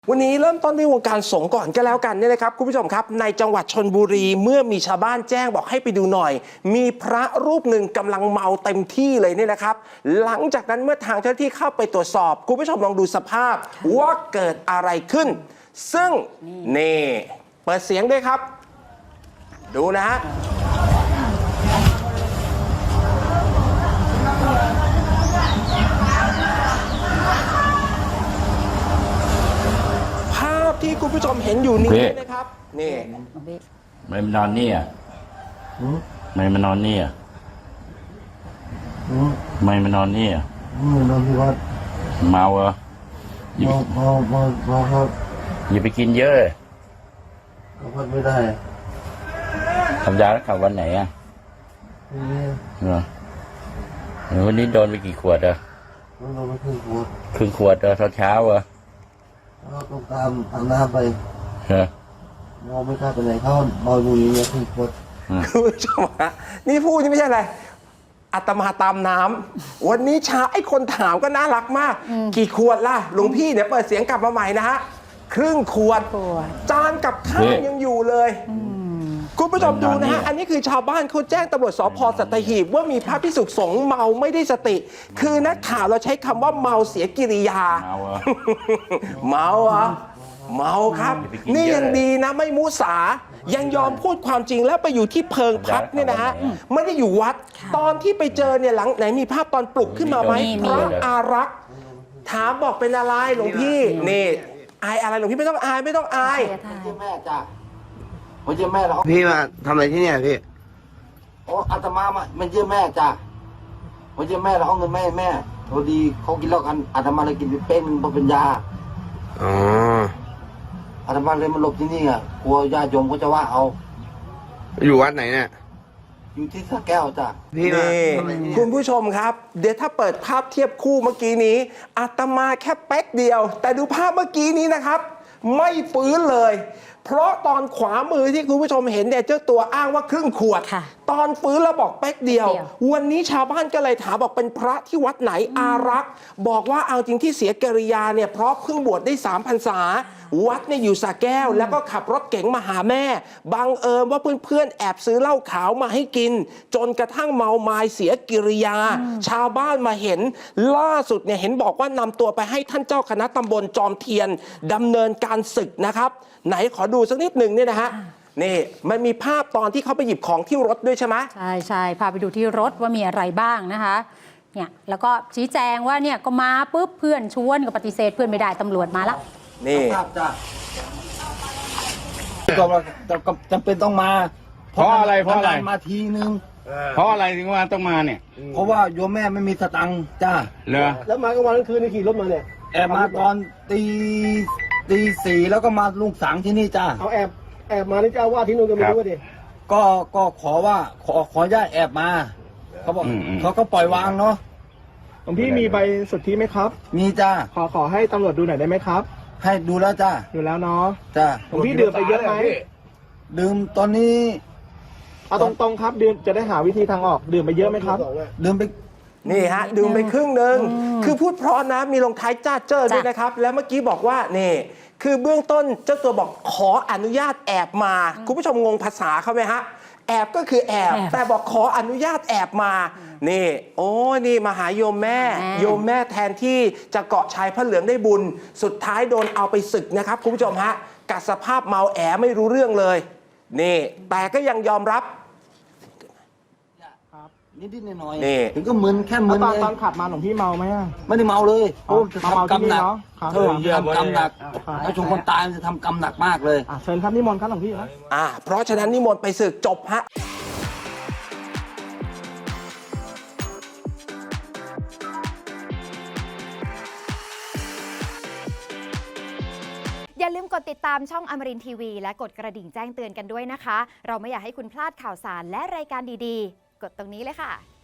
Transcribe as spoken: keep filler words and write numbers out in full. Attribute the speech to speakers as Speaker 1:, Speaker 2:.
Speaker 1: วันนี้เริ่มต้นที่วงการสงฆ์ก่อนก็แล้วกันเนี่ยนะครับคุณผู้ชมครับในจังหวัดชลบุรีเมื่อมีชาวบ้านแจ้งบอกให้ไปดูหน่อยมีพระรูปหนึ่งกำลังเมาเต็มที่เลยเนี่ยนะครับหลังจากนั้นเมื่อทางเจ้าหน้าที่เข้าไปตรวจสอบคุณผู้ชมลองดูสภาพว่าเกิดอะไรขึ้นซึ่งนี่เปิดเสียงด้วยครับดูนะฮะที่คุณผู้ชมเห็นอยู่นี้นะครับนี่
Speaker 2: ไม่มานอนนี่อ่ะไม่มานอนนี่อ่ะไม่มานอนนี่อ่ะ
Speaker 3: ไม่นอนที่วัด
Speaker 2: เมาเหรอ
Speaker 3: เมาเมาเมาเมาครับ
Speaker 2: อย่าไปกินเยอะเลย
Speaker 3: พักไม่ได้
Speaker 2: ทำยาแล้วขับวันไหนอ่ะเหรอวันนี้โดนไปกี่ขวดอ่ะ
Speaker 3: โดนไปครึ่งขวด
Speaker 2: ครึ่งขวดตอนเช้าเหรอ
Speaker 3: เราต้องตามอาบน้ำไป
Speaker 2: ฮะ
Speaker 3: มองไม่กล้าไปไหนเขาเมาอยู่อย่างเงี้ยครึ่งขวด
Speaker 1: คุณผู้ชมฮะนี่พูดนี่ไม่ใช่อะไรอาตมาตามน้ำวันนี้ช้าไอ้คนถามก็น่ารักมากกี่ขวดล่ะหลวงพี่เนี่ยเปิดเสียงกลับมาใหม่นะฮะครึ่งขวดจานกับข้าวยังอยู่เลยคุณผู้ชมดูนะฮะอันนี้คือชาวบ้านเขาแจ้งตำรวจสภ.สัตหีบว่ามีพระภิกษุสงฆ์เมาไม่ได้สติคือนักข่าวเราใช้คำว่าเมาเสียกิริยาเมาเหรอเมาครับนี่ยังดีนะไม่มุสายังยอมพูดความจริงแล้วไปอยู่ที่เพิงพักเนี่ยนะฮะไม่ได้อยู่วัดตอนที่ไปเจอเนี่ยหลังไหนมีภาพตอนปลุกขึ้นมาไหมพระอารักษ์ถามบอกเป็นอะไรหลวงพี่นี่อายอะไรหลวงพี่ไม่ต้องอายไม่ต้องอาย
Speaker 4: แม่จ้ะมาเยี่ยมแม่แล้ว
Speaker 3: พี่มาทำอะไรที่เนี่ยพี่
Speaker 4: โอ้อาตมามามาเยี่ยมแม่จ้ะมาเยี่ยมแม่แล้วเอาเงินแม่แม่พอดีเขากินเหล้ากันอาตมาเลยกินเป็นเป็นเป็นยา
Speaker 3: อ๋อ
Speaker 4: อาตมาเลยมาหลบที่นี่อ่ะกลัวญาติโยมเขาจะว่าเอา
Speaker 3: อยู่วัดไหนเนี่ย
Speaker 4: อยู่ที่สระแก้วจ้ะ
Speaker 1: พี่คุณผู้ชมครับเดี๋ยวถ้าเปิดภาพเทียบคู่เมื่อกี้นี้อาตมาแค่เป๊กเดียวแต่ดูภาพเมื่อกี้นี้นะครับไม่ฟื้นเลยเพราะตอนขวามือที่คุณผู้ชมเห็นเนี่ยเจ้าตัวอ้างว่าครึ่งขวดตอนฟื้นแล้วบอกเป๊กเดียววันนี้ชาวบ้านก็เลยถามบอกเป็นพระที่วัดไหนอารักษ์บอกว่าเอาจริงที่เสียกิริยาเนี่ยเพราะเพิ่งบวชได้สามพรรษาวัดเนี่ยอยู่สระแก้วแล้วก็ขับรถเก๋งมาหาแม่บังเอิญว่าเพื่อนๆแอบซื้อเหล้าขาวมาให้กินจนกระทั่งเมาไม้เสียกิริยาชาวบ้านมาเห็นล่าสุดเนี่ยเห็นบอกว่านำตัวไปให้ท่านเจ้าคณะตำบลจอมเทียนดำเนินการศึกนะครับไหนขอดูสักนิดหนึ่งเนี่ยนะฮะนี่มันมีภาพตอนที่เขาไปหยิบของที่รถด้วยใช่ไหม
Speaker 5: ใช่ใช่พาไปดูที่รถว่ามีอะไรบ้างนะคะเนี่ยแล้วก็ชี้แจงว่าเนี่ยก็มาปุ๊บเพื่อนชวนก็ปฏิเสธเพื่อนไม่ได้ตำรวจมาแล้ว
Speaker 1: นี่
Speaker 4: จ้ะก็จำเป็นต้องมา
Speaker 2: เพราะอะไรเพราะอะไร
Speaker 4: มาทีนึง
Speaker 2: เพราะอะไรถึงว่าต้องมาเนี่ย
Speaker 4: เพราะว่าโยมแม่ไม่มีสตังค์จ้า
Speaker 2: เหรอ
Speaker 3: แล้วมากลางวันกลางคืนนี่ขี่รถมาเนี่ย
Speaker 4: แอบมาตอนตีตีสี่แล้วก็มาลุงสังที่นี่จ้า
Speaker 3: เขาแอบแอบมานี่เจ้าว่าที่นู่นก็ไม่รู้ว่าดิ
Speaker 4: ก็ก็ขอว่าขอขอญาตแอบมาเขาบอกเขาก็ปล่อยวางเนาะ
Speaker 3: หลวงพี่มีใบสุทธิไหมครับ
Speaker 4: มีจ้า
Speaker 3: ขอขอให้ตำรวจดูหน่อยได้ไหมครับ
Speaker 4: ให้ดูแล้วจ้า
Speaker 3: ดูแล้วเนาะ
Speaker 4: จ้า
Speaker 3: หลวงพี่ดื่มไปเยอะไหม
Speaker 4: ดื่มตอนนี้
Speaker 3: เอาตรงๆครับดื่มจะได้หาวิธีทางออกดื่มไปเยอะไหมครับ
Speaker 4: ดื่มไป
Speaker 1: นี่ฮะดื่มไปครึ่งหนึ่งคือพูดเพราะนะมีลงท้ายจ้าเจ้อด้วยนะครับแล้วเมื่อกี้บอกว่านี่คือเบื้องต้นเจ้าตัวบอกขออนุญาตแอบมาคุณผู้ชมงงภาษาเขาไหมฮะแอบก็คือแอบแต่บอกขออนุญาตแอบมานี่โอ้นี่มาหาโยมแม่โยมแม่แทนที่จะเกาะชายพระเหลืองได้บุญสุดท้ายโดนเอาไปศึกนะครับคุณผู้ชมฮะกับสภาพเมาแอไม่รู้เรื่องเลยนี่แต่ก็ยังยอมรับ
Speaker 4: นิดๆหน่อยๆถึงก็มึนแค่มึน
Speaker 3: ตอนตอนขับมาหลวงพี่เมาไหม
Speaker 4: ไม่ได้เมาเลย
Speaker 3: โอ้ทำกรรมหนัก
Speaker 4: เออทำกรรมหนักถ้าชงคนตายจะทำกรรมหนักมากเลย
Speaker 3: เชิญครับนิมนต์ครับหลวงพี่
Speaker 1: อ่าเพราะฉะนั้นนิมนต์ไปศึกจบฮะ
Speaker 6: อย่าลืมกดติดตามช่องอมรินทร์ทีวีและกดกระดิ่งแจ้งเตือนกันด้วยนะคะเราไม่อยากให้คุณพลาดข่าวสารและรายการดีๆกดตรงนี้เลยค่ะ